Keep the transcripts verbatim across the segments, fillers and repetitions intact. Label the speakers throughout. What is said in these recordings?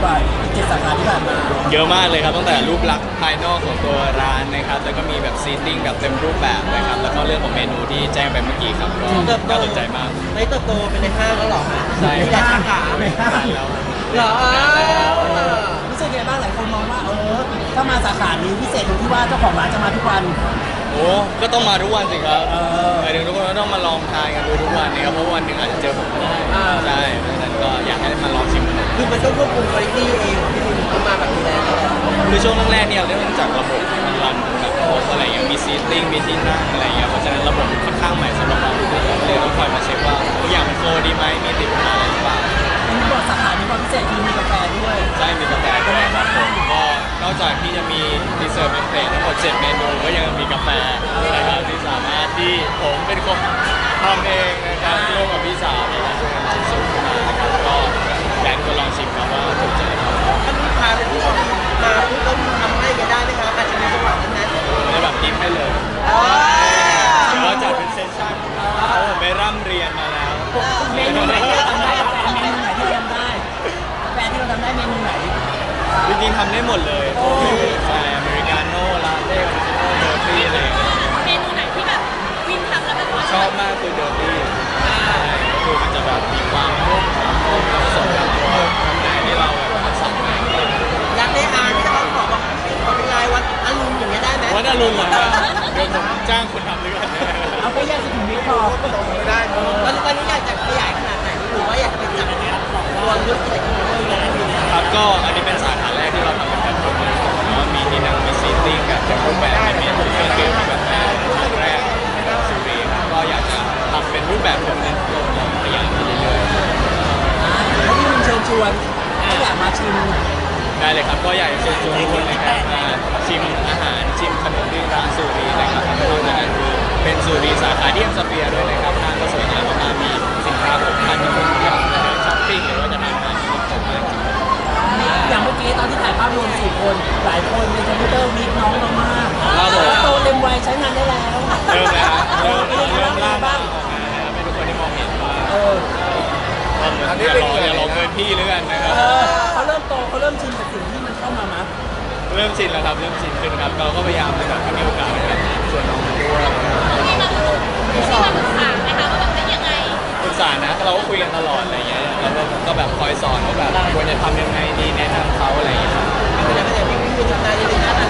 Speaker 1: กว่าเจ็ดสาขาที่ผ่านมา
Speaker 2: เยอะมากเลยครับตั้งแต่รูปลักษณ์ภายนอกของตัวร้านนะครับแล้วก็มีแบบซีติ้งแบบเต็มรูปแบบนะครับแล้วก็เรื่องของเมนูที่แจ้งไปเมื่อกี้ครับก็น่าสนใจมาก
Speaker 3: ไม่เติบโตเป็นในห้างแล้วหรอ
Speaker 2: ใช่
Speaker 3: ในสาขา
Speaker 1: ไม่ห้า
Speaker 2: แล้ว
Speaker 3: เหรอ
Speaker 1: รู้สึกไงบ้างหลายคนมองว่าเออถ้ามาสาขานี้พิเศษตรงที่ว่าเจ้าของร้านจะมาทุกวัน
Speaker 2: โอ้ก็ต้องมาทุกวันสิครับหมายถึงทุกคนก็ต้องมาลองทานกันดูทุกวันนะครับเพราะวันหนึ่งอาจจะเจอผมก็ได้ใช่เพราะฉะนั้นก็อยากให้มาลองชิมกัน
Speaker 3: คือมันต้องควบคุมคุณภาพเองที่มันต้องมาแบบนี้แล้ว
Speaker 2: คือช่วงแรกๆเนี่ยเรื่องจากระบบมันรันแบบโค้ดอะไรอย่างมีซีติ้งมีที่นั่งอะไรอย่างเงี้ยเพราะฉะนั้นระบบค่อนข้างใหม่สำหรับเราเลยต้องคอยมาเช็คว่าทุกอย่างมันโฟล์ดีไหมมีติดปัญหาอะไรหรือเปล่า
Speaker 1: อันนี้บอกสาขานี้ความพิเศษคือมีกาแฟด้วย
Speaker 2: ใช่มีกาแฟด้วยครับผมก็นอกจากที่จะมีดีเซอร์เป็นเพลททั้งหมดเจ็ดเมนูก็ยังมีกาแฟนะครับที่สามารถที่ผมเป็นคนทำเองนะครับร่วมกับพี่สาวในการช่วยกันคิดสูตรขึ้นมานะครับก็อยากให้ลองชิมครับว่าถูกใจครับ
Speaker 3: ถ้าลูกค้าเป็นผู้ชมมาทุกคนทำให้กันได้ไหมครับอาจจะมีจังหวะนั้นนั้น
Speaker 2: ในแบบทิปให้เลยหรือว่าจัดเป็นเซสชั่นเพราะผมไปร่ำเรียนมาแล้ว
Speaker 1: เมนูไหนที่เราทำได้เมนูไหนที่เราทำได้แฟนที่เราทำได้เมนูไหน
Speaker 2: จริงๆทำได้หมดเลยใช่อเมริกาโน่ลาเต้เดอร์ตี้อะไร
Speaker 4: เมนูไหนที่แบบวินทำแล้วแบบ
Speaker 2: ชอบมากคือเดอร์ตี้ใช่ก็คือมันจะแบบมีความนุ่มนุ่มผสมกับตัวข้างในที่เราแบบผสมมา
Speaker 3: อยากได้อาร์ที่เขาขอบอกขอเป็นลายวัดอรุณอย่างเงี้ยได้ไหม
Speaker 2: วัดอรุณเหรอเดี๋ยวผมจ้างคุณทำด้วยกัน
Speaker 1: เอาไปแยกสุขุมวิทพอ
Speaker 3: ไม่ได้ตอนนี้อยากจะขยายขนาดไหนหรือว่าอยากจะเป็นจับตัวยุทธอะไร
Speaker 2: ครับก็อันนี้เป็นสาขาแรกที่เราทำเป็นแบบผมเลยว่ามีที่นั่งมีซีติ้งกับเป็นรูปแบบในเมนูเครื่องดื่มแบบแรกแรกสุรีก็อยากจะทำเป็นรูปแบบผมเนี่ยพยายามไปเรื่อย
Speaker 1: ๆแล้วที่คุณเชิญชวนถ้าอยากมาชิม
Speaker 2: ได้เลยครับก็อยากจะเชิญชวนทุกคนนะครับมาชิมอาหารชิมขนมที่ร้านสุรีนะครับนอกจากนั้นคือเป็นสุรีสาขาที่เอ็มสเฟียร์ด้วยนะครับทางก็สวยงามมากๆมีสินค้าผมทานที่ผมอยากจะเดินช้อปปิ้งหรือว่าจะทานอาหารที่ผมมากจริง
Speaker 1: อย่างเมื่อกี้ตอนที่ถ่ายภาพรวมสี่คนหลายคนในคอมพิวเตอร์มีน้องเรามากโตเต็มวัยใช้งานได้แล้ว
Speaker 2: เริ่มแล้วเริ่มเริ่มล่าบ้างออกมานะครับเป็นทุกคนที่มองเห็นว่าเอออย่าลองอย่าลองเกินพี่หรือกันนะครับ
Speaker 1: เขาเริ่มโตเขาเริ่มชินกับสิ่งที่มันเข้ามามั้ย
Speaker 2: เริ่มชินแล้วครับเริ่มชินขึ้นครับเราก็พยายามแบบให้มีโอกาสนะครับส่วนน้องมาด้วย
Speaker 4: ที่มาที่มาปรึกษานะคะว่าแบบเป็นยังไง
Speaker 2: ปรึกษานะเราก็คุยกันตลอดอะไรเงี้ยแล้วก็แบบคอยสอนว่าแบบควรจะทำยังไงดีแนะนำเขาอะไรอย่างเงี้ยครับ
Speaker 3: ไม่ได้ไม่ได้พี่พี่ทำได้ยังไงนะ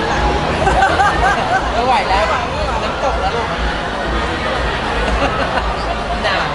Speaker 3: ไม่ไหวแล้วน้ำตกแล้วลูกหนาว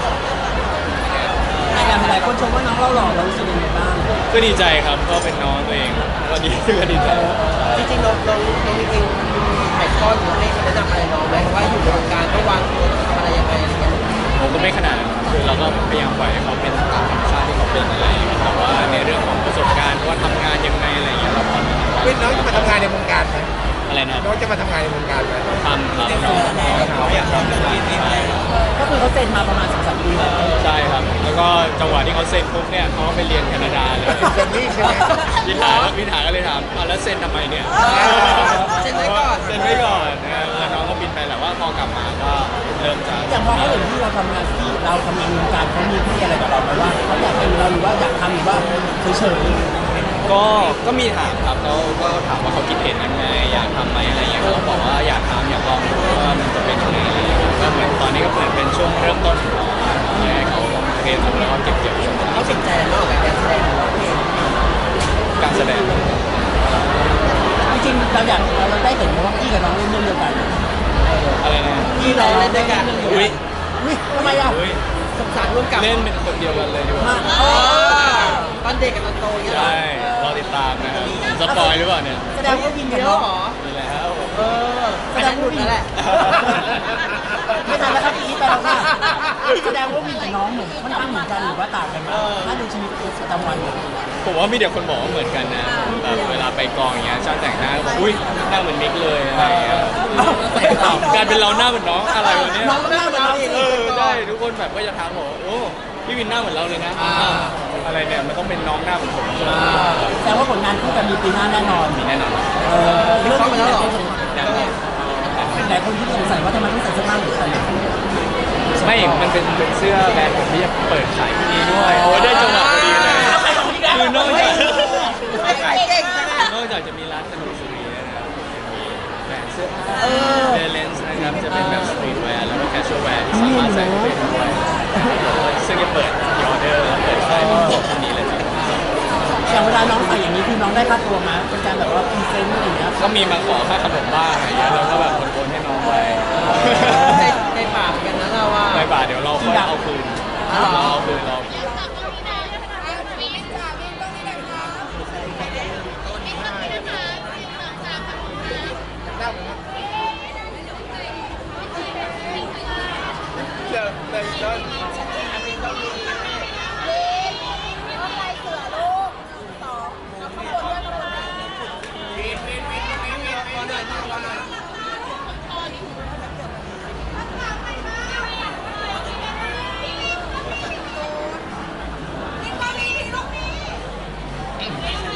Speaker 1: หลายคนชมว่าน้องเราหล่อเรารู้สึกยังไงบ้าง
Speaker 2: ก็ดีใจครับก็เป็นน้องตัวเองก็ดีก็ดีใจ
Speaker 3: จริงๆน้องน้องน้องจริงๆถ่ายทอดหรือให้แนะนำอะไรน้องไหมว่าอยู่ในวงการต้องวางตัวทำอะไรยังไงอะไรเงี้ย
Speaker 2: ผมก็ไม่ขนาดคือเราก็พยายามปล่อยให้เขาเป็นตามธรรมชาติที่เขาเป็นอะไรแต่ว่าในเรื่องของประสบการณ์ว่าทำงานยังไงอะไรอย่างเงี้ยเราพอ
Speaker 5: เป็นน้องจะมาทำงานในวงการไหม
Speaker 2: อะไรนะ
Speaker 5: น้องจะมาทำงานในวงการไหม
Speaker 2: ทำครับน้องเขาอยากทำเป็น
Speaker 1: ก็คือเขาเซ็นมาประมาณสองสามปีแล้ว
Speaker 2: ใช่ครับแล้วก็จังหวะที่เขาเซ็นปุ๊บเนี่ยเขาก็ไปเรียนแคนาดาเลย
Speaker 5: เซ็นนี่ใช่ไหม
Speaker 2: พี่ถาพี่ถาก็เลยถามแล้วเซ็นทำไมเนี่ย
Speaker 3: เซ็นไว้ก่อน
Speaker 2: เซ็นไว้ก่อนนะครับน้องก็บินไปแหละว่าพอกลับมาก็เริ่มจะ
Speaker 1: อย่างพอเขาเห็นที่เราทำงานที่เราทำงานวงการเขามีที่อะไรกับเราไหมว่าเขาอยากเป็นเราหรือว่าอยากทำหรือว่าเฉย
Speaker 2: ๆก็ก็มีถามครับเขาก็ถามว่าเขาคิดเห็นยังไงอยากทำไหมอะไรอย่างเงี้ยเขาบอกว่าอยากทำอยากลองดูว่ามันจะเป็นยังไงก็เหมือนตอนนี้ก็เหมือนเป็นช่วงเริ่มต้นของเขาเขาเรียนรู้แล้วก็เก็บเกี่ยว
Speaker 3: เขาสนใจนอกจากการแสดง
Speaker 2: การแสดง
Speaker 1: จริงๆเราอยากเราได้เห็นว่าพี่กับน้องเล่นเรื่องเดียวกัน
Speaker 2: อะไรนะ
Speaker 3: พี่น้องเล่นด้วยกัน
Speaker 2: อุ้ย
Speaker 1: อุ้ยทำไมอ่ะ
Speaker 3: สงสารร่วมกับ
Speaker 2: เล่นเป็นคนเดียวกันเลยดีกว่า
Speaker 3: ตอนเด็กกับตอนโตยังไง
Speaker 2: ใช่รอติดตามนะครับสปอยหรือเปล่าเนี่ย
Speaker 1: แสดงว่าวินกับน้อง
Speaker 2: มีแล้ว
Speaker 3: เออแสดงว่าวินแหละ
Speaker 1: ไม่ทันแล้วครับพี่ไปแล้วค่ะแสดงว่าวินกับน้องเหมือนค่อนข้างเหมือนกันหรือว่าต่างกันบ้างถ้าดูชีวิตประจำวัน
Speaker 2: ผมว่ามีเด็กคนบอกว่าเหมือนกันนะแบบเวลาไปกองอย่างเงี้ยช่างแต่งหน้าก็บอกอุ้ยหน้าเหมือนมิกเลยอะไรเงี้ยการเป็นเราหน้าเหมือนน้องอะไรวะเนี่ย
Speaker 1: น้องหน้าเหมือนเรา
Speaker 2: เออได้ทุกคนแบบก็จะทักบอกโอ้พี่วินหน้าเหมือนเราเลยนะอะไรเนี่ยมันต้องเป็นน้องหน้าเหมือนผม
Speaker 1: แต่ว่าผลงานคู่กันมีปีหน้าแน่นอน
Speaker 2: มีแน่นอน
Speaker 1: เรื่องนี้แล้วหลายคนที่สงสัยว่าทำไมต้องใส่เสื้อผ้าเหมือนกัน
Speaker 2: ไม่มันเป็นเป็นเสื้อแบรนด์ผมที่จะเปิดขายที่นี่ด้วยโอ้ได้จังหวะพอดีเลยคือนอกจาก
Speaker 1: องได้ค่าตัวมาเป็นการแบบว่าพรีเซนต์อะไรอย่างเงี้ย
Speaker 2: ก็มีมาขอค่าขนมบ้างอะไรเงี้ยเราก็แบบโอนๆให้น้องไป
Speaker 3: ในในปากกันนะเราว่า
Speaker 2: ในบาทเดี๋ยวเราค่อยเอาคืนเราเอาคืนเรา
Speaker 5: เดี๋ยวเดี๋ยวเดี๋ยว
Speaker 4: เ